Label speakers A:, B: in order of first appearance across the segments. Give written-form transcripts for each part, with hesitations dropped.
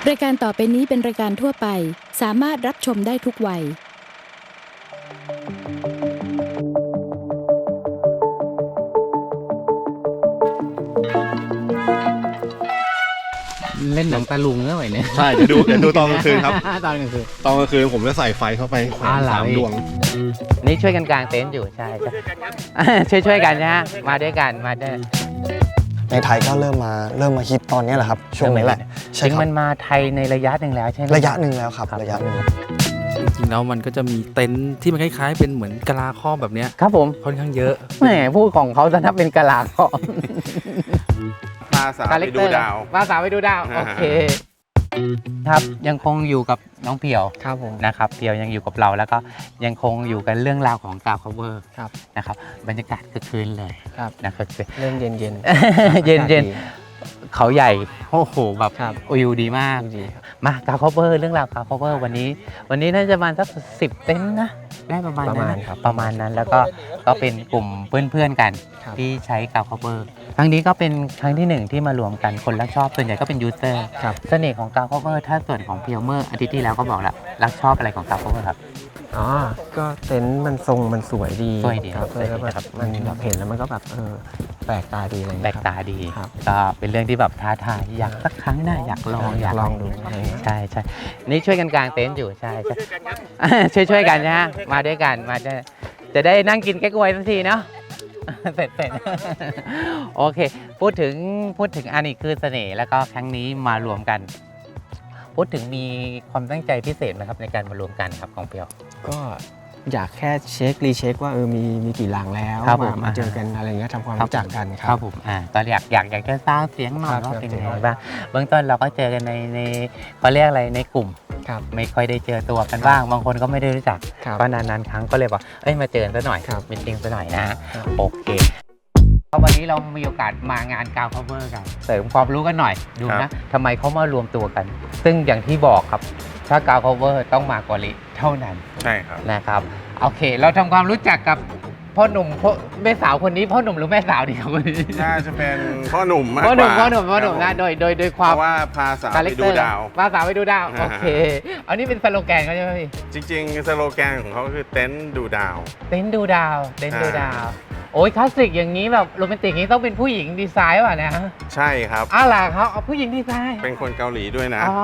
A: รายการต่อไปนี้เป็นรายการทั่วไปสามารถรับชมได้ทุกวัย
B: เล่นหนังตะลุงเมื่อไหร่เนี่ย
C: ใช่เดี๋ยวดูตอนกลางคืนครับ
B: ตอนกลางคืน
C: ผมจะใส่ไฟเข้าไป3 ดวง
B: นี่ช่วยกันกางเต็นท์อยู่ใช่ช่วยกันนะฮะมาด้วยกันมาด้วย
D: ในไทยก็เริ่มมาฮิตตอนนี้แหละครับช่วงนี้แหละ
B: ใช่ครับมันมาไทยในระยะหนึ่งแล้วใช่ไหม
D: ระยะหนึ่งแล้วครับระยะหนึ่ง
E: จริงๆแล้วมันก็จะมีเต็นท์ที่มันคล้ายๆเป็นเหมือนกะลาครอบแบบเนี้ย
B: ครับผม
E: ค่อนข้างเยอะ
B: แหมพูดของเขาจะนับเป็นกะลาครอบ
C: พาสาวไปดูดาว
B: โอเคครับยังคงอยู่กับน้องเพียว
D: ครับผม
B: นะครับเพียวยังอยู่กับเราแล้วก็ยังคงอยู่กันเรื่องราวของกาวคัฟเวอร์นะครับบรรยากาศคึกคืนเลยนะครับ
D: เริ่มเย็น
B: เย็นเขาใหญ่โอ้โหแบบวิวดีมากมากาวคัฟเวอร์เรื่องราวกาวคัฟเวอร์วันนี้น่าจะประมาณสัก10 เต็นท์นะได้ประมาณนั้นแล้วก็เป็นกลุ่มเพื่อนๆกันที่ใช้กาวคัฟเวอร์ครั้งนี้ก็เป็นครั้งที่1ที่มารวมกันคนรักชอบส่วนใหญ่ก็เป็นยูเซอร์เสน่ห์ของกาวคัฟเวอร์ถ้าส่วนของเพียวเมอร์อาทิตย์ที่แล้วก็บอกแล้วรักชอบอะไรของกาวคัฟเวอร์ครับ
D: ก็เต็นท์มันทรงมันสวยดี
B: ครับ
D: มันแบบเห็นแล้วมันก็แบบแปลกตาดีอะไร
B: แปลกตาดีก็เป็นเรื่องที่แบบท้าทายอยากสักครั้งน่าอยากลองดูใช่นี่ช่วยกันกางเต็นท์อยู่ใช่ช่วยกันนะฮะมาด้วยกันมาจะได้นั่งกินแก้กล้วยสักทีเนาะเสร็จโอเคพูดถึงอันนี้คือเสน่ห์แล้วก็ครั้งนี้มารวมกันพูดถึงมีความตั้งใจพิเศษไหมครับในการมารวมกันครับของเปียว
D: ก็อยากแค่รีเช็คว่ามีกี่หลังแล้วมาเจอกันอะไรเงี้ยทำความรู้จักกัน
B: ครับผมตอนอยากจะสร้างเสียงหน่อยว่าเป็นยังไงบ้างเบื้องต้นเราก็เจอกันในเขาเรียกอะไรในกลุ่มไม่ค่อยได้เจอตัวกันบ้างบางคนก็ไม่ได้รู้จักก็นานๆครั้งก็เลยบอกมาเจอกันซะหน่อยมีติ้งซะหน่อยนะโอเควันนี้เรามีโอกาสมางานกาวคัฟเวอร์กันเสริมความรู้กันหน่อยดูนะทำไมเขามารวมตัวกัน ซึ่งอย่างที่บอกครับถ้ากาวคัฟเวอร์ต้องมาเกาหลีเท่านั้น
C: ใช่ครับ
B: นะครับโอเคเราทำความรู้จักกับพ่อหนุ่มแม่สาวคนนี้พ่อหนุ่มหรือแม่สาวดีครับวันนี้
C: น่าจะเป็นพ่อหนุ่มมากกว่า
B: พ่อหนุ่มนะโดยความ
C: ว่าพาสาวไปดูดาว
B: โอเคอันนี้เป็นสโลแกนเขาใช่ไหมพี่
C: จริงๆสโลแกนของเขาคือเต็นท์ดูดาว
B: โอ้ยคลาสสิกอย่างนี้แบบโรแมนติกนี้ต้องเป็นผู้หญิงดีไซน์ป่ะนะ
C: ใช่ครับ
B: ล่ะเขาเอาผู้หญิงดีไซน์
C: เป็นคนเกาหลีด้วยนะ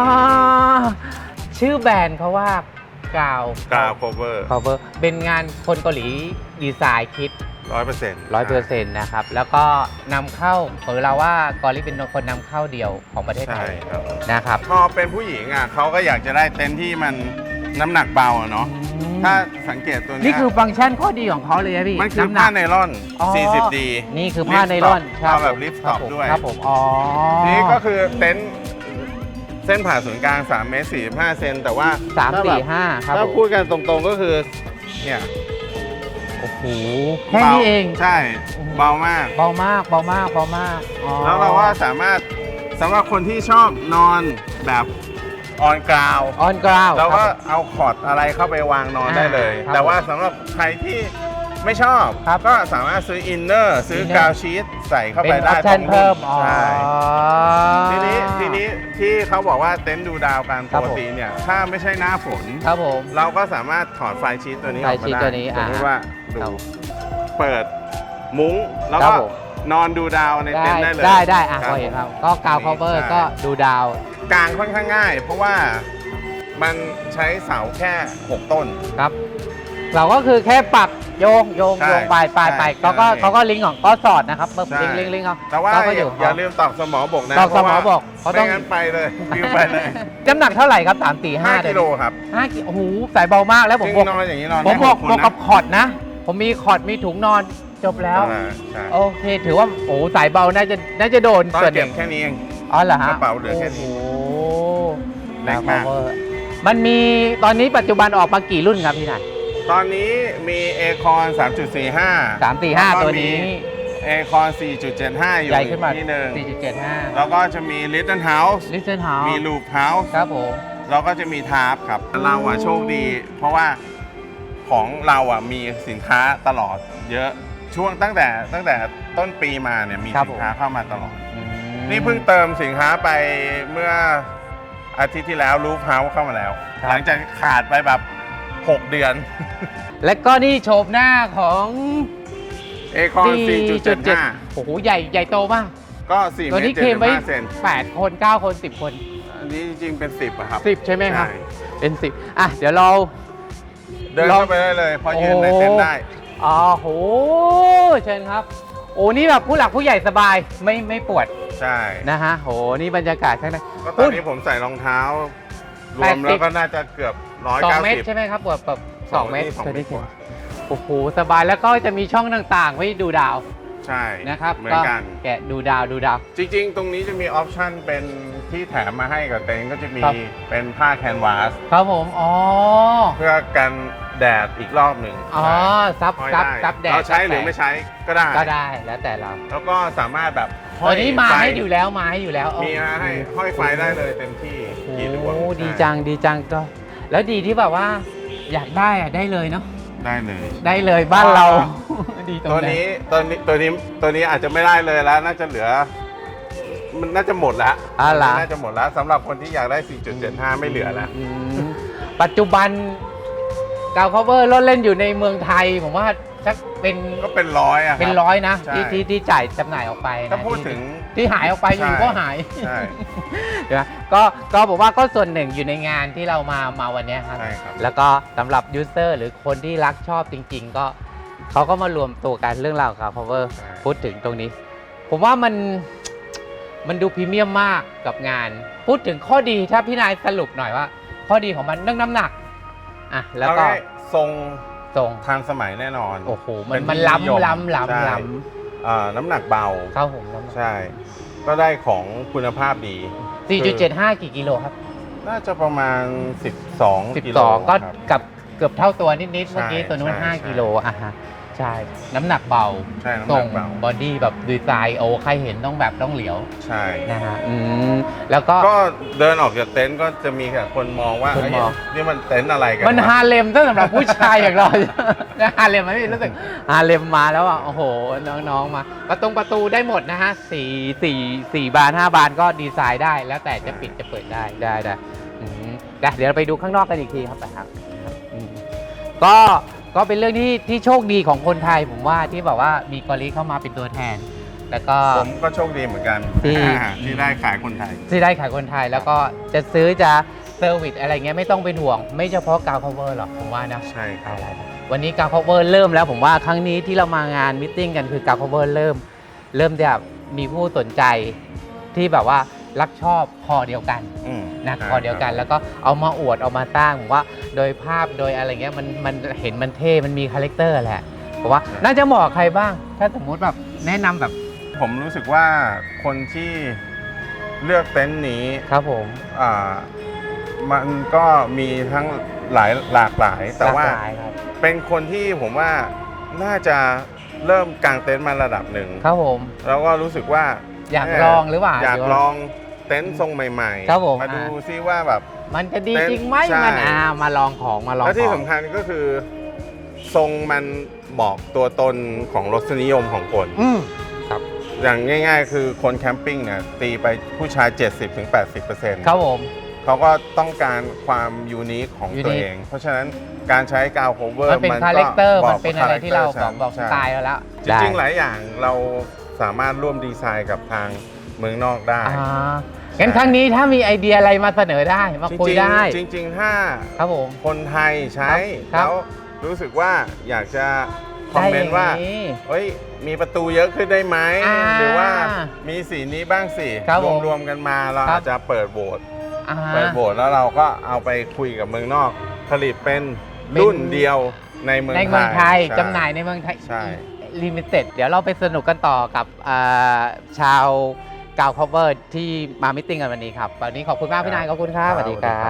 B: ชื่อแบรนด์เขาว่ากาว
C: คัฟเวอร์
B: เป็นงานคนเกาหลีดีไซน์คิด100%นะครับแล้วก็นำเข้าเราว่ากอริเป็นคนนำเข้าเดียวของประเทศไทยนะครับ
C: พอเป็นผู้หญิงเขาก็อยากจะได้เต็นท์ที่มันน้ำหนักเบาเนาะถ้าสังเกตตัวนี้
B: นี่คือฟังก์ชันข้อดีของเขาเลยนะพี่
C: มันคือผ้าไนล่อน 40D
B: นี่คือผ้าไนล่อน
C: เอาแบบลิฟต์สต็อปด้วย
B: ครับผม
C: นี่ก็คือเต็นท์เส้นผ่าศูนย์กลาง3 เมตร 45 เซนแต่ว่า
B: 345ครับ
C: ถ้าพูดกันตรงๆก็คือเนี่ย
B: โอ้โหแค่นี้เอง
C: ใช่เบามาก
B: แล้ว
C: เราว่าสามารถสำหรับคนที่ชอบนอนแบบออนกราวเราก็เอาคอร์ดอะไรเข้าไปวางนอนได้เลยแต่ว่าสำหรับใครที่ไม่ชอบก็สามารถซื้ออินเนอร์ซื้อกาวชีทใส่เข้าไปได้
B: ตรงนี้ใช่
C: ทีนี้ที่เขาบอกว่าเต็นท์ดูดาวกันปกติเนี่ยถ้าไม่ใช่หน้าฝนเราก็สามารถถอดไฟชีทตัวนี้ออกมาได้สมมติว่าดูเปิดมุ้งแล้วก็นอนดูดาวในเต็นท์ได้เลย
B: ได้พอเห็นครับก็กาวคัฟเวอร์ก็ดูดาว
C: กลางค่อนข้างง่ายเพราะว่ามันใช้เสาแค่6 ต้น
B: ครับเราก็คือแค่ปักโยงไปเขาก็ลิงก์ของก็สอดนะครับลิงก์เขา
C: แต่ว่าอย่าลืมตอกสมอบกนะ
B: ตอกสมอบก
C: เขาต้องงั้นไปเลยวิวไปเลย
B: น้ำหนักเท่าไหร่ครับ5
C: กิโลครับ
B: 5 กิโลโอ้โหใส่เบามากแล้วผมบอกกับคอร์ดนะผมมีคอร์ดมีถุงนอนจบแล้วโอเคถือว่าโอ้ใส่เบาน่าจะโดน
C: ส่วนเก็บแค่นี้เอง
B: เหรอฮะ
C: กระเป๋าเหลือแค่นี้
B: แรงมากมันมีตอนนี้ปัจจุบันออกมากี่รุ่นครับพี่นาย
C: ตอนนี้มีเอคอน 3.45
B: ตัวนี้
C: เอคอน 4.75 อยู่ที่หนึ่ง
B: 4.75
C: แล้วก็จะมี Little House มี Loop House
B: ครับผม
C: แล้วก็จะมีทาร์ปครับเราโชคดีเพราะว่าของเรามีสินค้าตลอดเยอะช่วงตั้งแต่ต้นปีมาเนี่ยมีสินค้าเข้ามาตลอดนี่เพิ่งเติมสินค้าไปเมื่ออาทิตย์ที่แล้วรูฟเฮาส์เข้ามาแล้ว หลังจากขาดไปแบบ 6 เดือน
B: และก็นี่โฉมหน้าของ
C: เอคอน 4.75
B: โอ้โหใหญ่โตมาก
C: ก็4
B: ตัว
C: เม
B: นี้
C: ตร
B: เคลมไว้
C: 75 เซน
B: 8 คน 9 คน 10 คน
C: อันนี้จริงๆเป็น 10อะครับ
B: 10 ใช่ไหมครับ
C: ใช่
B: เป็น 10 อ่ะ เดี๋ยวเรา
C: เดินเข้าไปได้เลยเพอยืนในเต็นท์ได้
B: อ๋อโหเชิญครับ โอ้นี่แบบผู้หลักผู้ใหญ่สบายไม่ปวด
C: ใช่
B: นะฮะโหนี่บรรยากาศข้างใน
C: ก็ตอนนี้ผมใส่รองเท้า รวมแล้วก็น่าจะเกือบ
B: 2 เมตร
C: 190
B: ใช่ไหมครับแบบ2 เมตร
C: สองเมตรกว่า
B: โอ้โหสบายแล้วก็จะมีช่องต่างๆไว้ดูดาว
C: ใช่
B: นะครับ
C: เหมือนกัน
B: แกะดูดาว
C: จริงๆ ตรงนี้จะมีออปชั่นเป็นที่แถมมาให้กับเต็นท์ก็จะมี
B: ครับ
C: เป็นผ้าแคนวาส
B: ครับผมอ๋อ
C: เพื่อกันแดดอีกรอบหนึ่ง
B: อ๋อซับ
C: ห้อย
B: ซับ
C: ได้
B: ซับแดด
C: เราใช้หรือไม่ใช้ก็ได้
B: ก็ได้แล้วแต่เรา
C: แล้วก็สามารถแบบห้
B: ตั
C: อ
B: วย นี้มา
C: ไฟ
B: ให้อยู่แล้ว
C: มีมาให้ห้อยไฟได้เลยเต็มที่
B: โอ้
C: กี่ดวง
B: ดีจังก็ แล้วดีที่แบบว่าอยากได้อะได้เลยเนาะ
C: ได้เลย
B: ได้เลยบ้านเรา ดีตรง
C: ตัว
B: ไหน
C: นี้อาจจะไม่ได้เลยแล้วน่าจะเหลือ มันน่าจะหมดแล้ว
B: ล่ะ
C: น่าจะหมดแล้วสำหรับคนที่อยากได้ 4.75 ไม่เหลือแล้ว
B: อืมปัจจุบันกาว cover รถเล่นอยู่ในเมืองไทย ผมว่าสักเป็น
C: ก็เป็นร้อยอะครับ
B: เป็นร้อยนะ
C: ใช่
B: ที่จ่ายจำหน่ายออกไปนะ
C: ถ้าพูดถึง
B: ที่หายออกไปอยู่ก็หาย
C: ใช่
B: เดี๋ยวนะก็บอกว่าก็ส่วนหนึ่งอยู่ในงานที่เรามาวันเนี้ยครับ
C: ใช่ครับ
B: แล้วก็สำหรับยูเซอร์หรือคนที่รักชอบจริง ๆ ก็เขาก็มารวมตัวกันเรื่องราวของ cover
C: ใช่
B: พูดถึงตรงนี้ ผมว่ามันดูพรีเมียมมากกับงาน พูดถึงข้อดีถ้าพี่นายสรุปหน่อยว่า ข้อดีของมันเรื่องน้ำหนักอ่ะแล้วก็
C: เอาง่ายทรง
B: ทรง
C: ทันสมัยแน่นอน
B: โอ้โหมัน
C: เป็น
B: มัน
C: ที่นิยม
B: ล้ำ
C: ใช่ น้ำหนักเบา
B: เข้าผมน้ำหนัก
C: ใช่ ก็ได้ของคุณภาพดี
B: 4.75 กี่กิโลครับ
C: น่าจะประมาณ 12 กิโล
B: 12 ก็
C: ครับ
B: กับเกือบเท่าตัวนิดๆเมื่อกี้ตัวนู้น
C: ใช่
B: 5 กิโลอ่ะฮะใช่น้ำหนักเบา
C: ใช่น้ำห
B: ทร
C: นั
B: ง
C: กเบา
B: บอดี้แบบดีไซน์โอ้ใครเห็นต้องแบบต้องเหลียว
C: ใช่
B: นะฮะแล้วก็
C: ก็เดินออกจากเต็นท์ก็จะมีแต่คนมองว่า
B: คนมอง
C: เอ้ยนี่มันเต็นท์อะไรกัน
B: มัน
C: วะ
B: ฮาเลมสำหรับผู้ชายอย่างเรา ฮาเลมไหมพี่รู้สึกฮาเลมมาแล้วอ่ะโอ้โหน้องๆมาประตูได้หมดนะฮะ4 บาน 5 บานก็ดีไซน์ได้แล้วแต่จะปิดจะเปิดได้เดี๋ยวเราไปดูข้างนอกกันอีกทีครับนะครับอืมก็เป็นเรื่องที่โชคดีของคนไทยผมว่าที่แบบว่ามีกอริเข้ามาเป็นตัวแทน แล้วก็
C: ผมก็โชคดีเหมือนกัน
B: ที่
C: ที่ได้ขายคนไทย
B: ที่ได้ขายคนไทยแล้วก็จะซื้อจะเซอร์วิสอะไรเงี้ยไม่ต้องเป็นห่วง ไม่เฉพาะกาว cover หรอกผมว่านะ
C: ใช่ครับ
B: วันนี้กาว cover เริ่มแล้วผมว่าครั้งนี้ที่เรามางานมิทติ้งกันคือกาว cover เริ่มจะมีผู้สนใจที่แบบว่ารักชอบคอเดียวกัน นะคอเดียวกันแล้วก็เอามาอวดเอามาตั้งผมว่าโดยภาพโดยอะไรเงี้ยมันเห็นมันเท่มันมีคาแรคเตอร์แหละผมว่าน่าจะเหมาะกับใครบ้าง ถ้าสมมุติแบบแนะนำแบบ
C: ผมรู้สึกว่าคนที่เลือกเต็นท์นี้
B: ครับผม
C: มันก็มีทั้งหลากหลาย แต่ว่า
B: หลกหลยครับ
C: เป็นคนที่ผมว่าน่าจะเริ่มกางเต็นท์มาระดับหนึ่ง
B: ครับผม
C: แล้วก็รู้สึกว่า
B: อยากลองหรือเปล่า
C: อยากลองเต็นท์ทรงใหม่
B: ครับผม
C: มาดูซิว่าแบบ
B: มันจะดีจริงไหม
C: ใช่
B: มันมาลองของมาลอง
C: แล้วที่
B: ของ
C: สำคัญก็คือทรงมันบอกตัวตนของรสนิยมของคน
B: ครับ
C: อย่างง่ายๆ คือคนแคมปิ้งเนี่ยตีไปผู้ชาย 70-80%
B: ครับผม
C: เขาก็ต้องการความยูนิคของตัว
B: unique
C: เอง เพราะฉะนั้นการใช้กาวโคเวอร์
B: มันเป็นคาแรคเตอร์มันเป็นอะไรที่เรา
C: คาแรคต
B: บอกส
C: ใช่
B: ไตล์เราแล้ว
C: จริงๆ หลายอย่างเราสามารถร่วมดีไซน์กับทางเมืองนอกได้
B: งั้นครั้งนี้ถ้ามีไอเดียอะไรมาเสนอได้มาคุยได้
C: จริงๆ ถ้า
B: ครับผม
C: คนไทยใช้
B: ครับ
C: แล้วรู้สึกว่าอยากจะคอมเมนต์ว่า
B: ได้อย่างนี้
C: เฮ้ยมีประตูเยอะขึ้นได้ไหม หรือว่า
B: อ่า
C: มีสีนี้บ้างสิ
B: ครับผม
C: รวมๆกันมาเรา
B: ครับ
C: อาจจะเปิดโหวต
B: อ่า
C: เปิดโหวตแล้วเราก็เอาไปคุยกับเมืองนอก ผลิตเป็นรุ่นเดียวในเมือง
B: ในเมืองไทย
C: ใช่
B: จำหน่ายในเมืองไทย
C: ใช่
B: ลิมิเต็ดเดี๋ยวเราไปสนุกกันต่อกับชาวกาว cover ที่มามิทติ้งกันวันนี้ครับ วันนี้ขอบคุณมากพี่นายขอบคุณครับสวัสดีครับ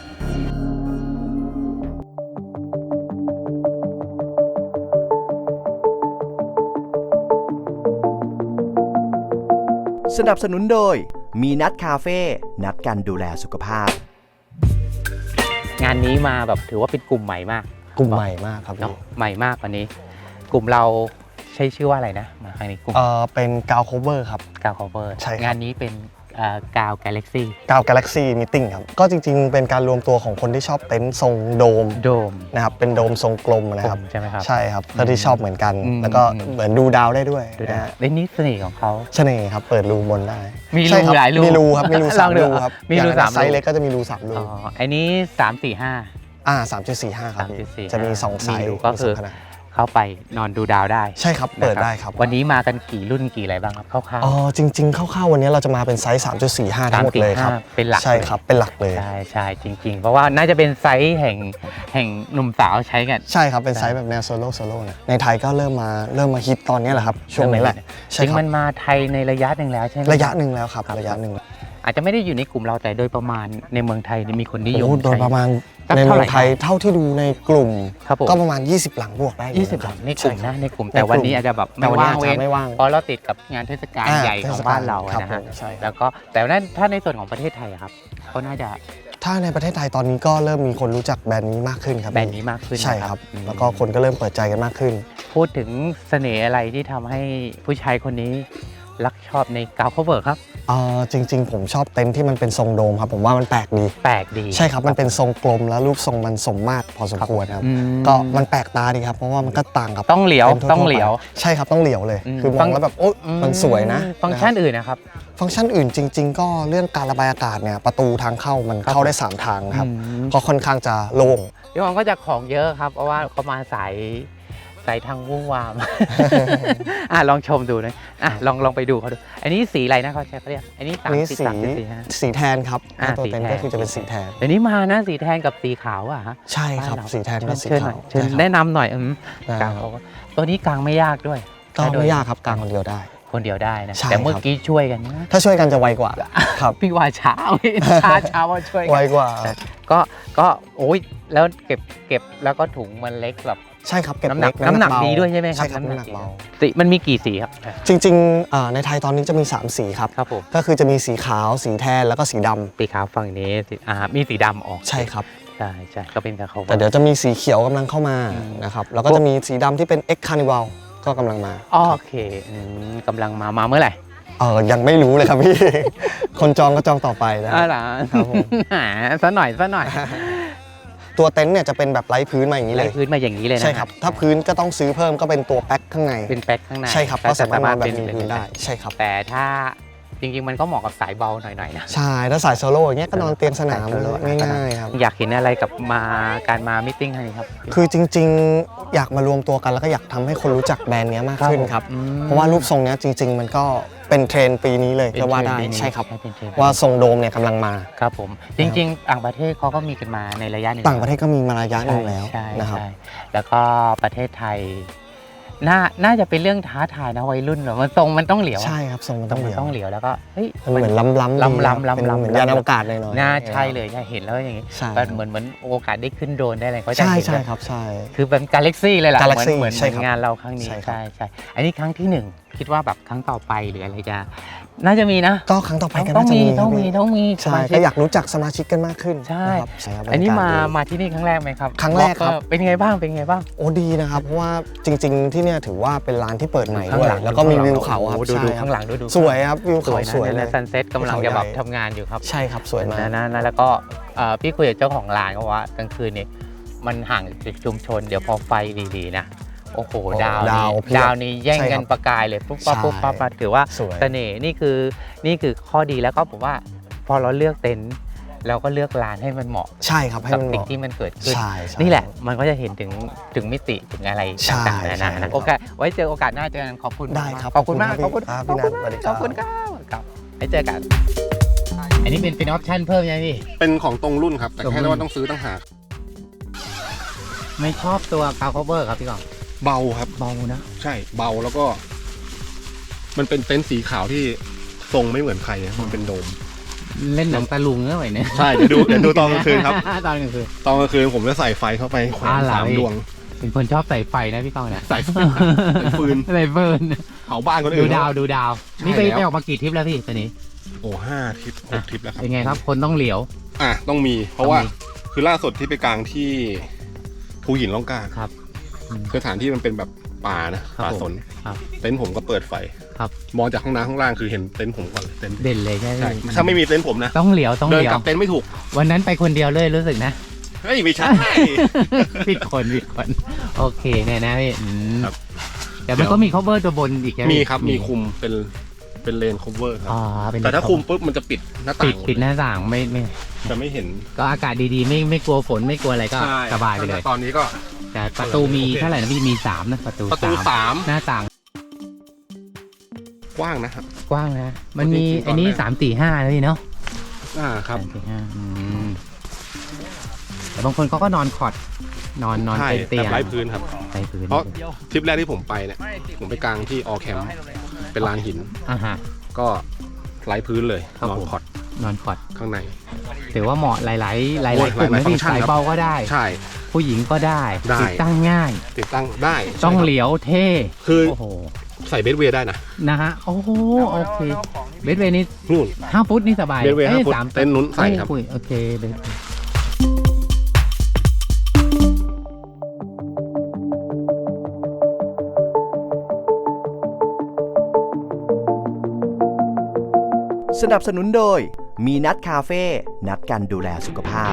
F: สนับสนุนโดยมีนัดคาเฟ่นัดกันดูแลสุขภาพ
B: งานนี้มาแบบถือว่าเป็นกลุ่มใหม่มาก
D: กลุ่มใหม่มากครับ
B: เนาะใหม่มากวันนี้ กลุ่มเราใช้ชื่อว่าอะไรนะมาครั้งนี้กลุ่ม
D: เป็นกาวโคเวอร์ครับ
B: กาว cover
D: ใช่ครับ
B: งานนี้เป็นกาว Galaxy
G: กาว Galaxy Meeting ครับก็จริงๆเป็นการรวมตัวของคนที่ชอบเต็นท์ทรงโดมนะครับเป็นโดมทรงกลมนะครับ
B: ใช่ไหมครับ
G: ใช่ครับก็ที่ชอบเหมือนกัน แล้วก็เหมือนดูดาวได้ด้วยนะฮะ
B: นี่เสน่ห์ของเขา
G: เสน่ห์ครับเปิดรูบนได้
B: มี
G: ใช่
B: รู
G: ครับ
B: หลายรู
G: มีรูครับมีรู3 รูครับ
B: มีรู
G: อย่าง
B: 3
G: ไซส์เล็กก็จะมีรู3 รู
B: อันนี้ 3.45
G: 3.45 ครับพี่
B: 3.45
G: จะมี2ไซส์
B: ก็คือ
G: มีสงขนาด
B: เข้าไปนอนดูดาวได้
G: ใช่ครับเปิดได้ครับ
B: วันนี้มากันกี่รุ่นกี่อะไรบ้างครับคร่าว
G: อ๋อจริงๆคร่าวๆวันนี้เราจะมาเป็นไซส์ 3.45 ทั้งหมดเลยครับ
B: 3.45เป็นหลัก
G: ใช่ครับเป็นหลักเลย
B: ใช่จริงๆ เพราะว่าน่าจะเป็นไซส์แห่งหนุ่มสาวใช้กัน
G: ใช่ครับเป็นไซส์แบบแนวโซโล่นะในไทยก็เริ่มมาฮิตตอนนี้แหละครับช่วงนี้แหละ
B: จ
G: ใช่
B: ริง
G: ครับ
B: มันมาไทยในระยะหนึ่งแล้วใช่ไหม
G: ระยะหนึ่งแล้วครับระยะหนึ่ง
B: อาจจะไม่ได้อยู่ในกลุ่มเราแต่โดยประมาณในเมืองไทยมีคนนิยม
G: โอ้โดยประมาณ
B: สัก
G: ใน
B: เท่า
G: เมื
B: ไหร่
G: องไทยเท่าที่ดูในกลุ่ม
B: ครับผม
G: ก็ประมาณ20 หลังบวกได้อยู่
B: 20 หลังในกลุ่ม
G: ใช่
B: นะในกลุ่ม
G: ในกลุ่ม
B: แต่วันนี้อาจจะแบบ
G: แต่
B: ไม่
G: วันนี้
B: ว่าง
G: อาจ
B: เว้
G: จะ
B: น
G: ไม่ว่าง
B: เพราะเราติดกับงานเทศกาลใหญ่ของบ้านเรา
G: ครับ
B: นะ
G: ผ
B: ฮะ
G: มใช่
B: แล้วก็แต่ว่าถ้าในส่วนของประเทศไทยอะครับก็น่าจะ
G: ถ้าในประเทศไทยตอนนี้ก็เริ่มมีคนรู้จักแบรนด์นี้มากขึ้นครับ
B: แบรนด์นี้มากขึ้น
G: ใช่
B: นะครับ
G: แล้วก็คนก็เริ่มเปิดใจกันมากขึ้น
B: พูดถึงเสน่ห์อะไรที่ทำให้ผู้ชายคนนี้รักชอบในกาวคัฟเวอร์ครับ
G: จริงๆผมชอบเต็นท์ที่มันเป็นทรงโดมครับผมว่ามันแปลกดี
B: แปลกดี
G: ใช่ครับมันเป็นทรงกลมแล้วรูปทรงมันสมมาตรพอสมควรครับ
B: อืม
G: ก็มันแปลกตาดีครับเพราะว่ามันก็ต่างกับ
B: ต้องเหลียว
G: ต็นท์ทั่ๆ
B: ต้องเหลียว
G: ไปใช่ครับต้องเหลียวเลย
B: อืม
G: คือมองแล้วแบบโอ๊ยมันสวยนะ
B: ฟังก์ชันอื่นนะครับ
G: ฟังก์ชันอื่นจริง ๆ ก็เรื่องการระบายอากาศเนี่ยประตูทางเข้ามันเข้าได้ 3 ทางครับ
B: อืม
G: ก็ค่อนข้างจะโล่ง
B: พี่หวังก็จะของเยอะครับ เพราะว่าเขามาสายทางวุ่นวาม ลองชมดูนะลองไปดูเขาดู อันนี้สีอะไรนะเขาใช้เขาเรียกอันนี้
G: อันนี้
B: 3.4
G: สีแทนครับ ตัว
B: สี
G: เต็น
B: แท
G: ท์
B: น
G: ก็คือจะเป็นสีแทน
B: เดี๋ยวนี้มานะสีแทนกับสีขาวอ่ะฮะ
G: ใช่ครับ
B: บ้านเา
G: สีแทนกับสี
B: เชิญหน่
G: ขา
B: อยว เชิญ
G: ใช่ครับ
B: แนะนำหน่อย
G: ได้
B: กลาง
G: ครับ
B: เขาก็ตัวนี้กลางไม่ยากด้วย
G: ก็ไม่ยากครับกลางคนเดียวได้
B: คนเดียวได้นะ
G: ใช่
B: แต่เมื่อ
G: ครับ
B: กี้ช่วยกันนะ
G: ถ้าช่วยกันจะไวกว่าครับ
B: พี่ว่าช้า ช้าว่าช่วยกั
G: ไวกว่า
B: ก็โอ้ยแล้วเก็บแล้วก็ถุงมันเล็กแบบ
G: ใช่ครับเก็บ
B: น้ำหนัก
G: เล็
B: น้ำหนัก
G: เบา
B: ดีด้วยใช่ไหมครับ
G: ใช่ครับน้ำหนักเบา
B: สีมันมีกี่สีครับ
G: จริงๆในไทยตอนนี้จะมี 3 สีครับ
B: ครับผม
G: ก็คือจะมีสีขาวสีแทนแล้วก็สีดำ
B: สีขาวฝั่งนี้มีสีดำออก
G: ใช่ครับ
B: ใช่ก็เป็นกับเขา
G: แต่เดี๋ยวจะมีสีเขียวกำลังเข้ามา
B: อืม
G: นะครับแล้วก็จะมีสีดำที่เป็น X Carnival ก็กำลังมา
B: โอเคกำลังมาเมื่อไหร่
G: ยังไม่รู้เลยครับพี่ คนจองก็จองต่อไปนะ
B: เหรอ
G: ครับผม
B: ซะหน่อย
G: ตัวเต็นท์เนี่ยจะเป็นแบบไร้พื้นมาอย่างนี้เล
B: ไล่
G: ย
B: พื้นมาอย่างนี้เลยนะ
G: ใช่ครับถ้าพื้นก็ต้องซื้อเพิ่มก็เป็นตัวแพ็คข้างใน
B: เป็นแป๊กข้างใน
G: ใช่ครับก็สามารถนอนแบบ
B: เป็น
G: มีพื้นได้ใช่ครับ
B: แต่ถ้าจริงๆมันก็เหมาะกับสายเบาหน่อยๆนะ
G: ใช่ถ้าสายโซโล่อย่างเงี้ยก็นอนเตียงสนามง่ายๆครับ
B: อยากเห็นอะไรกับการมามิทติ้งครั้งนี้ครับ
G: คือจริงๆ อยากมารวมตัวกันแล้วก็อยากทำให้คนรู้จักแบรนด์เนี้ยมากขึ้นครับ
B: อืม
G: เพราะว่ารูปทรงเนี้ยจริง ๆ มันก็เป็นเทรนด์ปีนี้เลย
B: เป็น
G: ก็ว่าได้
B: เทรนด์ปีนี้
G: ใช่ครับ
B: เป็นเทรนด์
G: ว่าทรงโดมเนี่ยกำลังมา
B: ครับผมจริงๆต่างประเทศเขาก็มีกันมาในระยะหนึ่ง
G: ต่างประเทศก็มีมาระยะหนึงแล้ว
B: ใช่
G: นะครับ
B: ใช่แล้วก็ประเทศไทยน่าจะเป็นเรื่องท้าทายนะวัยรุ่นเหรอมันทรงมันต้องเหลียว
G: ใช่ครับทรงมันต้องเหลียว
B: ต้องเหลียวแล้วก็เฮ้ย
G: มันเหมือนล้ำๆดี
B: ล้ำๆ
G: เป็นเหมือนยานอวกาศหน่อยๆ
B: น่าใช่เลยใช่เห็นแล้วอย่างงี้
G: ใช่
B: มันเหมือนโอกาสได้ขึ้นโดรนได้อะไรเขาจะ
G: ใช่
B: เห็น
G: ใช่
B: เลย
G: ครับใช่
B: คือเป็นกาแล็กซี่เลยล่ะ
G: Galaxy
B: เหมือน
G: ใช่ครับ
B: งานเราครั้งนี้
G: ใช่ครับ
B: ใช่อันนี้ครั้งที่หนึ่งคิดว่าแบบครั้งต่อไปหรืออะไรจะน่าจะมีนะ
G: ก็ครั้งต่อไปก็
B: ต้อ
G: น่าง จะ
B: มี
G: มี
B: ต้องมี
G: ครับ
B: ต้องมี
G: ใช่
B: สชิ
G: ก็อยากรู้จักสมาชิกกันมากขึ้น
B: ใช่
G: นะครับใช่ครับ
B: อันนี้
G: บรรยกศดี
B: มาที่นี่ครั้งแรกไหมครับ
G: ครั้งแรกครับ
B: เป็นไงบ้าง
G: โอ้ดีนะครับ เพราะว่าจริง ๆ ที่เนี่ยถือว่าเป็นร้านที่เปิดใหม่ด้วย แล้วก็มีวิวเขาครับ
B: ดู
G: ใช่ครับ
B: ข้างหลังดู
G: สวยครับวิว
B: ส
G: เขา
B: วย
G: สวย
B: นะ
G: เล
B: ใน
G: ย
B: ซันเซ็ตกำลังจะแบบทำงานอยู่ครับ
G: ใช่ครับสวยมาก
B: นะแล้วก็พี่คุยกับเจ้าของร้านก็ว่ากลางคืนเนี่ยมันห่างจากชุมชนเดี๋ยวพอไฟดีๆนะโอ้โหดาว
G: เพียบ
B: นี้แย่ง
G: ใช่ค
B: กั
G: รั
B: น
G: บ
B: ประกายเลยปุ๊บปั๊บ
G: ใช่
B: ปุ๊บปั๊บมาถือว่า
G: สวย
B: เสน่ห์นี่คือข้อดีแล้วก็ผมว่าพอเราเลือกเต็นท์เราก็เลือกร้านให้มันเหมาะ
G: ใช่ครับให้
B: กับ
G: มันเห
B: สิ่ง
G: มาะ
B: ที่มันเกิดขึ้น
G: ใช่
B: นี่แหละมันก็จะเห็นถึงมิติถึงอะไร
G: ใช่
B: ต่างๆนานา
G: ใช่
B: นะโอกาสไว้เจอโอกาสหน้าเจอกันขอบคุณ
G: ได้ครับ
B: ขอบคุณมาก
G: ขอบคุณครับพี่นัทสวัสดีครับ
B: ขอบคุณครับไว้เจอกัน อันนี้เป็นออปชั่นเพิ่มใช่ไหมพี่
C: เป็นของตรงรุ่นครับ แต่
B: ตรงรุ่
C: แค่
B: น
C: ว่าต้องซื้อต่างหาก
B: ไม่ชอบตัวคาวคอเวอร์ครับพี่กอง
C: เบาครับ
B: เบานะ
C: ใช่เบาแล้วก็ มันเป็นเต็นท์สีขาวที่ทรงไม่เหมือนใครนะมันเป็นโดม
B: เล่นหนังตะลุงเนอะไหวเนี่ย
C: ใช่เดี๋ยวดูตอนกลางคืนครับ
B: ตอนกลางคืน
C: ตอนกลางคืนผมจะใส่ไฟเข้าไปแขวน
B: เหรอ
C: 3 ดวง
B: เป็นคนชอบใส่ไฟนะพี่กองเนี่ย
C: ใส่ฟืน
B: ใส่เฟิร์น
C: เผาบ้านคน
B: ดู
C: อื่น
B: ดาว
C: ใช่
B: นี่ไป
C: แล้ว
B: ออกมากี่ทริปแล้วพี่ตอนนี้
C: โอ้5 ทริป 6 ทริปแล้วครับ
B: เป็นไงครับคนต้องเหลียว
C: ต้องมี เพราะว่า
B: ต้องมี
C: คือล่าสุดที่ไปกลางที่ภูหินล่องกล้า
B: ครับ
C: สถานที่มันเป็นแบบป่านะ
B: ครับ
C: ป่าสน
B: ครับ
C: เต็นท์ผมก็เปิดไฟ
B: ครับ
H: มองจากห้องน้ำข้างล่างคือเห็นเต็นท์ผมก่อนเลยเต็นท์
B: เด่นเลยใช่ไหม
H: ใช่ถ้าไม่มีเต็นท์ผมนะ
B: ต้องเหลียว
H: เดิน
B: เหลียว
H: กลับเต็นท์ไม่ถูก
B: วันนั้นไปคนเดียวเลยรู้สึกนะ
H: เฮ้ยไม่ใช่
B: ผิดคนโอเคเนี่ยนะพี่
H: ครับ
B: แต่มันก็มี cover ตัวบนอีกใช่ไหม
H: มีครับมีคุมเป็นเลน cover ครับ
B: อ๋อเป็น
H: แต่ถ้าคุมปุ๊บมันจะปิดหน้าต่าง
B: ปิดหน้าต่างไม่
H: จะไม่เห็น
B: ก็อากาศดีๆไม่กลัวฝนไม่กลัวอะไรก็
H: ใช่
B: สบายไปเลย
H: ตอนนี้ก็
B: แต่ประตูมีเท่าไหร่นะพี่มี3นะประตู
H: สาม
B: หน้าต่าง
H: กว้างนะครับ
B: กว้างนะมันมี
H: จริงๆ
B: อันนี้
H: ตอนแรก
B: 3 4 5นะพี่เนาะ
H: ครับ
B: 3 4 5แต่บางคนเขาก็นอนคอร์ดนอน
H: ใช่
B: เตียง
H: แบบไร้พื้นครับ
B: ไร้พื้น
H: เพราะทริปแรกที่ผมไปเนี่ยผมไปกลางที่ออแคมป์เป็นลานหิน
B: ฮะ
H: ก็ไร้พื้นเลย
B: ครับ
H: นอน
B: ผม
H: คอร์ด
B: นอนคอร์ด
H: ข้างใน
B: ถือว่าเหมาะหลายกลุ่ม
H: หลาย
B: นะ
H: ฟัง
B: พี่
H: ก์ชัน
B: สาย
H: ครับ
B: เบาก็ได้
H: ใช่
B: ผู้หญิงก็ได้
H: ได้
B: ติดตั้งง่าย
H: ติดตั้งได้
B: ต้อง
H: ใช่ครับ
B: เหลียวเท่
H: คือ
B: โอ้โห
H: ใส่เบสเวย์ได้นะ
B: นะฮะโอ้โหโอเคเบสเวย์นี่
H: นู่น
B: 5 ฟุตนี่สบาย
H: เบสเวย์
B: อ้ย
H: 5 ฟุต
B: 3
H: เต็นท์นู้นใส่ครับ
B: โอเคเบส
F: สนับสนุนโดยมีนัดคาเฟ่นัดกันดูแลสุขภาพ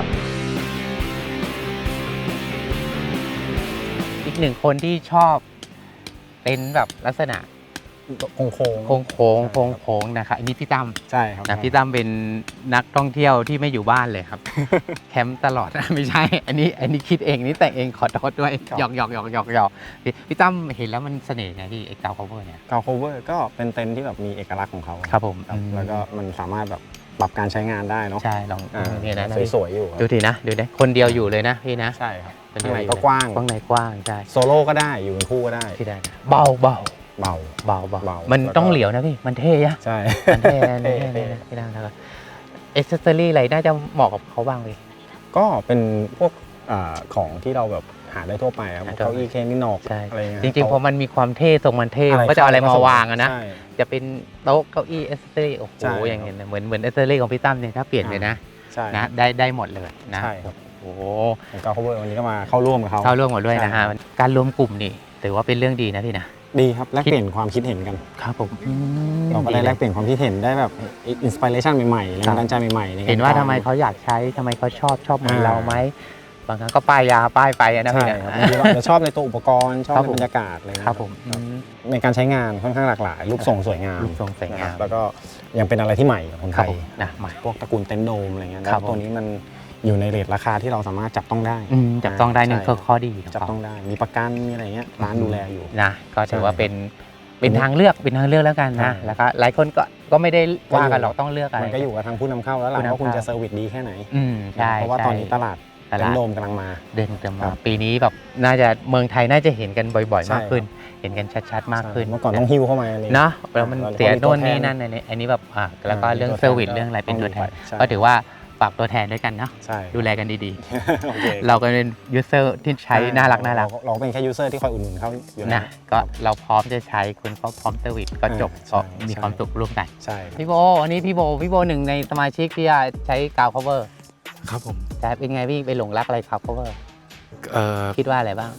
B: อีกหนึ่งคนที่ชอบเป็นแบบลักษณะ
D: โค้ง
B: โค้งนะครับอันนี้พี่ตั้ม
D: ใช่ครับ
B: นะพี่ตั้มเป็นนักท่องเที่ยวที่ไม่อยู่บ้านเลยครับ แคมป์ตลอด ไม่ใช่ อันนี้คิดเองนี่แต่งเองขอโทษด้วยหยอกพี่ตั้มเห็นแล้วมันเสน่ห์ไงพี่เอ็กซ์เกา cover เนี่ย
D: กาวโคเวอร์ก็เป็นเต็นท์ที่แบบมีเอกลักษณ์ของเขา
B: ครับผม
D: แล้วก็มันสามารถแบบปรับการใช้งานได้เนาะ
B: ใช่ลองเนี่ยนะพี่
D: สวยๆอยู่ครับ
B: ดูทีนะดูนะคนเดียวอยู่เลยนะพี่นะ
D: ใช่ครับ
B: คน
D: ข้า
B: เดี
D: ง
B: ยว
D: ใน
B: อยู่
D: ก็กว้าง
B: ข้างในกว้างใช่
D: โซโล่ก็ได้อยู่เป็นคู่ก็ได้
B: ที่ได้นะเบา
D: เบา
B: มัน
D: แล้วก็
B: ต้องเหลียวนะพี่มันเท่ยะ
D: ใช่
B: มันเท่นะพี่ตั้มแล้วก็เอ็กซ์เซอรี่อะไรน่าจะเหมาะกับเขาบ้างพี่
D: ก็เป็นพวกของที่เราแบบหาได้ทั่วไปครับพวกเก้าอี้เคนินอก
B: ใช่
D: อะไรเงี้ย
B: จริงๆพอมันมีความเท่ทรงมันเท่มันก็จะเอาอะไรมาวางอะนะ
D: ใช่
B: จะเป็นโต๊ะเก้าอี้เอสเซอรี่โอ้โห
D: ใช่
B: อย่างเงี้ยเหมือนเอสเซอรี่ของพี่ตั้มเนี่ยถ้าเปลี่ยนเลยนะ
D: ใช่
B: นะได้หมดเลยนะ
D: ใช่ครับ
B: โอ้โห
D: กาวโคเวอร์วันนี้ก็มาเข้าร่วมกับเขา
B: เข้าร่วมหมดด้วยนะฮะ
D: ใช่
B: การรวมกลุ่มนี่ถือว่าเป็นเรื่องดีนะพี่นะ
D: ดีครับแลกเปลี่ยนความคิดเห็นกัน
B: ครับผม
D: เราก็ได้แลกเปลี่ยนความคิดเห็นได้แบบอินสปิเรชันใหม่ๆแรงบันดาลใจใหม่ๆในกร
B: เห็นว่าทำไมเขาอยากใช้ทำไมเขาชอบเหมือนเราไหมบางครั้งก็ป้ายไปนะ
D: ใช่
B: พี่นะครับ
D: บางทีเราอาจจะชอบในตัวอุปกรณ์ชอบ
B: ครับ
D: ใน
B: ผม
D: บรรยากาศอะไรเงี้ย
B: ครับผม
D: ในการใช้งานค่อนข้างหลากหลาย รูปทรงสวยงาม
B: รูปทรงสวยงาม
D: นะครับแล้วก็ยังเป็นอะไรที่ใหม่กับคน
B: ค
D: ไท
B: รับ
D: ย
B: ผมนะใหม่
D: พวกตระกูลเต็นท์โดมอะไรเงี้ย
B: ค
D: แล้
B: รับ
D: วตัวนี้มันอยู่ในเรทราคาที่เราสามารถจับต้องได้
B: จับต้องได้หนึ่ง
D: ใช่
B: ข้อดีของ
D: จับ
B: เขา
D: ต้องได้มีประกันมีอะไรเงี้ยร้านดูแลอยู่
B: นะก็ถือว่า
D: ใช่
B: เป็นทางเลือกแล้วกันนะ
D: ใช่
B: แล้วก็หลายคนก็ไม่ได้ว่ากันหรอกต้องเลือกอะไร
D: มันก็อยู่กับทางผู้นำเข้าแล้วล่ะ
B: ผู้นำเข้า
D: ว่าคุณจะเซอร์วิสดีแค่ไหน
B: ใช่
D: เพราะว่าตอนนี้ตลาดเต็นท์โดมกำลังมา
B: เดินเติม
D: ครั
B: มา
D: บ
B: ปีนี้แบบน่าจะเมืองไทยน่าจะเห็นกันบ่อยๆ
D: ใช่
B: มากขึ้น เห็นกันชัดๆมากขึ้น
D: เมื่อก่อนต้องหิ้วเข้ามาอะไร
B: เนาะแล้วมัน
D: เรา
B: เสีย
D: มีตั
B: โน่
D: วน แทน
B: นี่นั่นอันนี้แบบแล้วก็
D: มี
B: เรื่อง
D: ตัวแทน
B: เซอร์วิส
D: ก็
B: เรื่องอะไรเป็นตัวแทน
D: ใช่
B: ก็ถือว่าฝากตัวแทนด้วยกันเนาะ
D: ใช่
B: ดูแลกันดี
D: โอเค
B: ๆ เราก็เป็นยูเซอร์ที่ใช้น่ารัก
D: เราเป็นแค่ยูเซอร์ที่คอยอุดหนุนเขาอยู่
B: นะก็เราพร้อมจะใช้คุณก็พร้อมเซอร์วิสก็จบ
D: ใช่
B: ก็มีความสุขร่วมกัน
D: ใช่
B: พี่โบอันนี้พี่โบหนึ่งในสมาชิกที่ใช้กาว cover
E: ครับผม
B: แต่เป็นไงพี่ไปหลงรักอะไรกาว cover
E: เอ่อ
B: คิดว่าอะไรบ้าง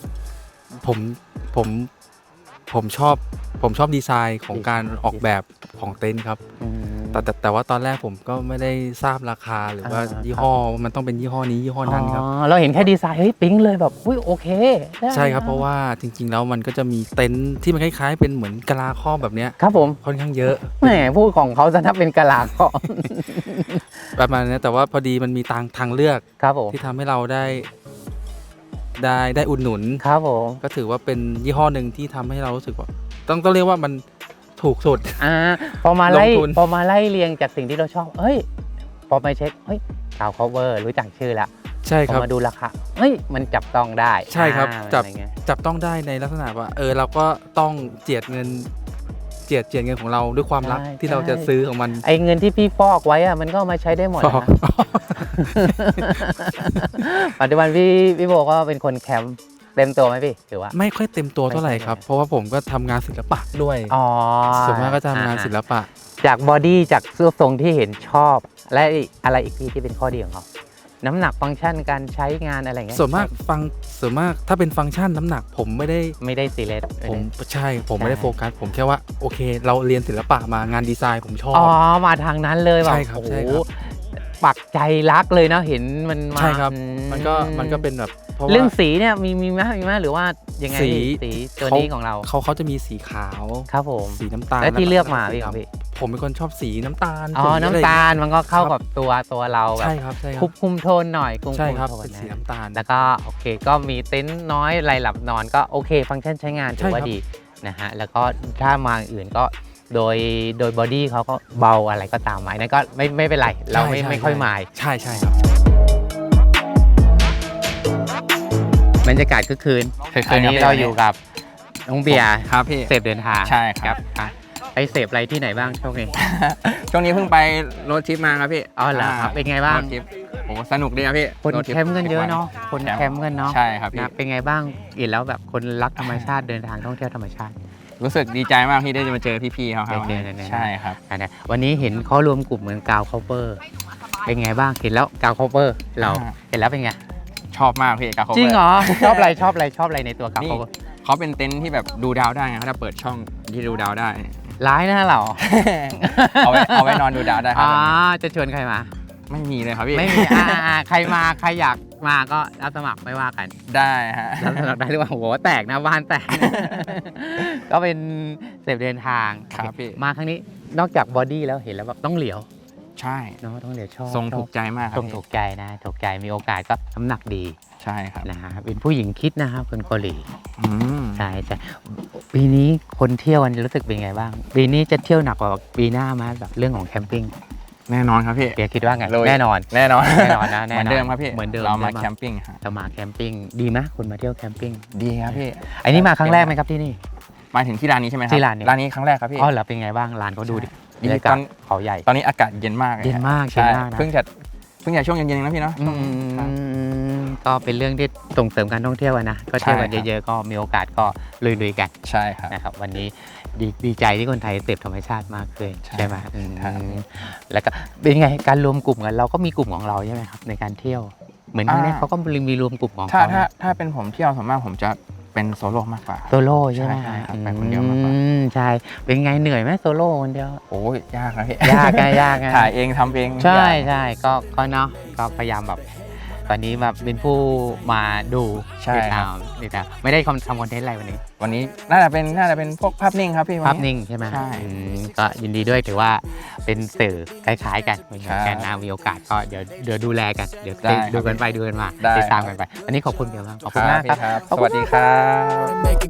E: ผมชอบดีไซน์ของการออกแบบของเต็นท์ครับ แต่ว่าตอนแรกผมก็ไม่ได้ทราบราคาหรือว่ายี่ห้อมันต้องเป็นยี่ห้อนี้ยี่ห้อนั้นครับ
B: เราเห็นแค่ดีไซน์เฮ้ยปิ๊งเลยแบบอุ้ยโอเคได้
E: ใช่ครับเพราะว่าจริงๆแล้วมันก็จะมีเต็นท์ที่มันคล้ายๆเป็นเหมือนกะลาครอบแบบเนี้ย
B: ครับผม
E: ค่อนข้างเยอะ
B: แหมพูดของเขาจะนับเป็นกะลาของ
E: ประมาณนี้แต่ว่าพอดีมันมีทางเลือก
B: ครับผม
E: ที่ทำให้เราได้อุดหนุน
B: ครับผม
E: ก็ถือว่าเป็นยี่ห้อหนึ่งที่ทำให้เรารู้สึกว่าต้องเรียกว่ามันถูกสุด
B: พอมาไล่
E: ลงทุน
B: เรียงจากสิ่งที่เราชอบเฮ้ยพอไปเช็คเฮ้ยกาว cover รู้จักชื่อแล้ว
E: ใช่ครับ
B: พอมาดูราคาเฮ้ยมันจับต้องได้
E: ใช่ครับจับ
B: อะไรเงี้ย
E: จับต้องได้ในลักษณะว่าเราก็ต้องเจียดเงินของเราด้วยความรักที่เราจะซื้อของมัน
B: ไอ้เงินที่พี่ฟอกไว้อะมันก็เอามาใช้ได้หมด
E: ฟอก
B: นะ ปัจจุบันพี่โบก็เป็นคนแคมป์เต็มตัวไหมพี่หรือว่า
E: ไม่ค่อยเต็มตัวเท่าไหร่ครับ เพราะว่าผมก็ทำงานศิลปะด้วย
B: อ๋อ
E: ส่วนมากก็จะทำงานศิลปะ
B: จากบอดี้จากเสื้อทรงที่เห็นชอบและอะไรอีกพี่ที่เป็นข้อดีของเขาน้ำหนักฟังก์ชันการใช้งานอะไรเงี้ย
E: ส่วนมากถ้าเป็นฟังก์ชันน้ำหนักผมไม่ได้
B: ซีเรียส
E: ผมไม่ได้โฟกัสผมแค่ว่าโอเคเราเรียนศิลปะมางานดีไซน์ผมชอบ
B: มาทางนั้นเลยแบบ
E: ใช่ครับ
B: โอ้โหปักใจรักเลยเนาะเห็นมันมา
E: ใช่ครับมันก็เป็นแบบ
B: เรื่องสีเนี่ยมีไหมหรือว่ายังไงสีตัวนี้ของเรา
E: เขาจะมีสีขาว
B: ครับผม
E: สีน้ำตาล
B: แล้วที่เลือกมาพี่ของพี่
E: ผมเป็นคนชอบสีน้ำตาล
B: น้ำตาลมันก็เข้ากับตัวเราแบบ
E: ใช่ครับ
B: คุมโทนหน่อย
E: ใช่ครับเป็นสีน้ำตาล
B: แล้วก็โอเคก็มีเต็นท์น้อยรายหลับนอนก็โอเคฟังก์ชันใช้งานถือว่าดีนะฮะแล้วก็ถ้ามาอื่นก็โดยบอดี้เขาก็เบาอะไรก็ตามหมายนั่นก็ไม่เป็นไรเราไม่ค่อยหมาย
E: ใช่ครับ
B: บรรยากาศคึกคืนอันนี้เราอยู่กับน้องเบียร์
I: ครับพี่
B: เสพเดินทาง
I: ใช่ครับ
B: ไปเสพอะไรที่ไหนบ้างช่วงนี้
I: ช่วงนี้เพิ่งไปโรดทริปมาครับพี่
B: เหรอครับเป็นไงบ้าง
I: โอ้สนุกดีครับพี่
B: คนแคมป์กันเยอะเนาะคนแคมป์กันเนาะ
I: ใช่ครับพี่
B: เป็นไงบ้างเห็นแล้วแบบคนรักธรรมชาติเดินทางท่องเที่ยวธรรมชาติ
I: รู้สึกดีใจมากที่ได้มาเจอพี่ๆเขาครับใช่ครับ
B: วันนี้เห็นเขารวมกลุ่มเหมือนกาวคอเปอร์เป็นไงบ้างเห็นแล้วกาวคอเปอร์เราเห็นแล้วเป็นไง
I: ชอบมากพี่กาวคอเปอร์
B: จริงเหรอชอบอะไรในตัวกาวคอเปอร์
I: เขาเป็นเต็นท์ที่แบบดูดาวได้ไงถ้าเปิดช่องที่ดูดาวได้
B: ร้ายนะเรา
I: เอาไว้นอนดูดาวได้ครับ
B: จะชวนใครมา
I: ไม่มีเลยครับพี่
B: ไม่มีใครอยากมาก็รับสมัครไม่ว่ากัน
I: ได้ฮะ
B: รับสมัครได้หรือว่าโหแตกนะบ้านแตกก็เป็นเสพเดินทาง
I: ครับพี่
B: มาครั้งนี้นอกจากบอดี้แล้วเห็นแล้วแบบต้องเหลียว
I: ใช่
B: เนาะต้องเหลียวชอบ
I: ทรงถูกใจมาก
B: ทรงถูกใจนะถูกใจมีโอกาสก็น้ำหนักดี
I: ใช่ครับ
B: นะฮะเป็นผู้หญิงคิดนะครับคนเกาหลีใช่ปีนี้คนเที่ยวกันรู้สึกเป็นไงบ้างปีนี้จะเที่ยวหนักกว่าปีหน้ามาแบบเรื่องของแคมปิ้ง
I: แน่นอนครับพี่
B: เบียร์คิดว่าไงแน่นอน
I: นะ
B: เหมื
I: อนเดิมครับพี่
B: เหมือนเดิม
I: เรามาแคมปิ้ง
B: เรามาแคมปิ้งดีไหมคุณมาเที่ยวแคมปิ้ง
I: ดีครับพี่
B: อันนี้มาครั้งแรกไหมครับที่นี่
I: มาถึงที่ร้านนี้ใช่ไหมครับ
B: ที่ร้าน
I: นี้ครั้งแรกครับพี่
B: เหรอเป็นไงบ้างร้านเขาดูดิบรรยากาศเขาใหญ่
I: ตอนนี้อากาศเย็นมาก
B: ใช่
I: เพิ่งจะช่วงเย็นๆนะพี่เนาะ
B: ก็เป็นเรื่องที่ส่งเสริมการท่องเที่ยวนะก็เที่ยวกันเยอะๆก็มีโอกาสก็ลุยๆกัน
I: ใช่ครับ
B: นะครับวันนี้ดีใจที่คนไทยเสพธรรมชาติมากเลยใช่ไหมแล้วก็เป็นไงการรวมกลุ่มกันเราก็มีกลุ่มของเราใช่ไหมครับในการเที่ยวเหมือนครั้งนี้เขาก็มีรวมกลุ่มของเขา
I: ถ้าเป็นผมเที่ยวส่วนมากผมจะเป็นโซโล่มากกว่า
B: โซโล่ใช่ไหม
I: ครับไปคนเดียวมากกว่า
B: ใช่เป็นไงเหนื่อยไหมโซโล่คนเดียว
I: โอ้ยยากนะพี่
B: ยาก
I: ถ่ายเองทำเอง
B: ใช่ก็เนาะก็พยายามแบบตอนนี้แบบเป็นผู้มาดูติดตามไม่ได้ทำคอนเทนต์อะไร
I: วันนี้น่าจะเป็นพวกภาพนิ่งครับพี่
B: ภาพนิ่งใช่ไหม
I: ใช่
B: ก็ยินดีด้วยถือว่าเป็นสื่อคล้ายๆกันเหมือนกันนะมีโอกาสก็เดี๋ยวดูแลกันเดี๋ยวดูกันไปดูกันมาติดตามกันไปวันนี้ขอบคุณเดียวครับขอบคุณมากครับ
I: สวัสดีครับ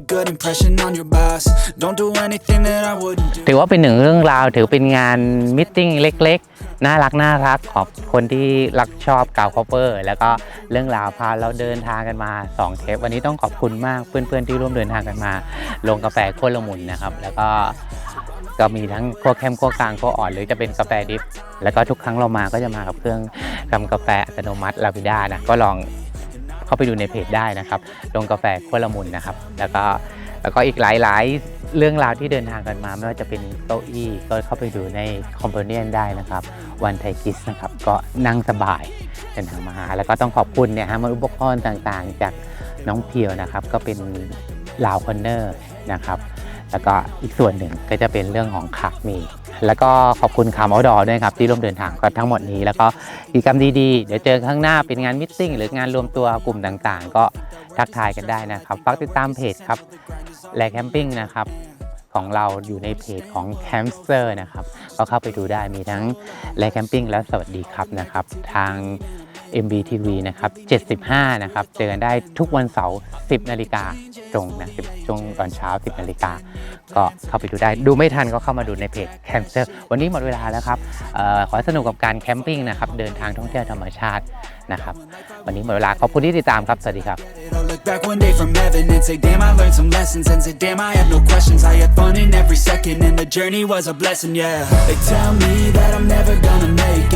B: ถือว่าเป็นหนึ่งเรื่องราวถือเป็นงานมิทติ้งเล็กๆน่ารักของคนที่รักชอบกาวคอปเปอร์แล้วก็เรื่องราวพาเราเดินทางกันมา2เทปวันนี้ต้องขอบคุณมากเพื่อนๆที่ร่วมเดินทางกันมาลงกาแฟขั้วละมุนนะครับแล้วก็มีทั้งขั้วเข้มขั้วกลางขั้วอ่อนหรือจะเป็นกาแฟดิฟแล้วก็ทุกครั้งเรามาก็จะมากับเครื่องทำกาแฟอัตโนมัติลาวิด้านะก็ลองเข้าไปดูในเพจได้นะครับลงกาแฟขั้วละมุนนะครับแล้วก็อีกหลายเรื่องราวที่เดินทางกันมาไม่ว่าจะเป็นเก้าอี้ก็เข้าไปดูในคอมเพเนียนได้นะครับวันไทกิสนะครับก็นั่งสบายเดินทางมาหาแล้วก็ต้องขอบคุณเนี่ยฮะอุปกรณ์ต่างๆจากน้องเพียวนะครับก็เป็นลาวคอนเนอร์นะครับแล้วก็อีกส่วนหนึ่งก็จะเป็นเรื่องของขามีแล้วก็ขอบคุณคาร์มอดอด้วยครับที่ร่วมเดินทางกันทั้งหมดนี้แล้วก็กิจกรรมดีๆเดี๋ยวเจอข้างหน้าเป็นงานมิทติ้งหรืองานรวมตัวกลุ่มต่างๆก็ทักทายกันได้นะครับฝากติดตามเพจครับแลแคมปิ้งนะครับของเราอยู่ในเพจของแคมสเตอร์นะครับก็เข้าไปดูได้มีทั้งแลแคมปิ้งและสวัสดีครับนะครับทาง MBTV นะครับ75นะครับเจอกันได้ทุกวันเสาร์ 10 นาฬิกาตรงนะช่วงตอนเช้า 10 นาฬิกาก็เข้าไปดูได้ดูไม่ทันก็เข้ามาดูในเพจแคมสเตอร์วันนี้หมดเวลาแล้วครับขอสนุกกับการแคมปิ้งนะครับเดินทางท่องเที่ยวธรรมชาตินะครับวันนี้หมดเวลาขอบคุณที่ติดตามครับสวัสดีครับLook back one day from heaven and say damn I learned some lessons and say damn I have no questions I had fun in every second and the journey was a blessing yeah They tell me that I'm never gonna make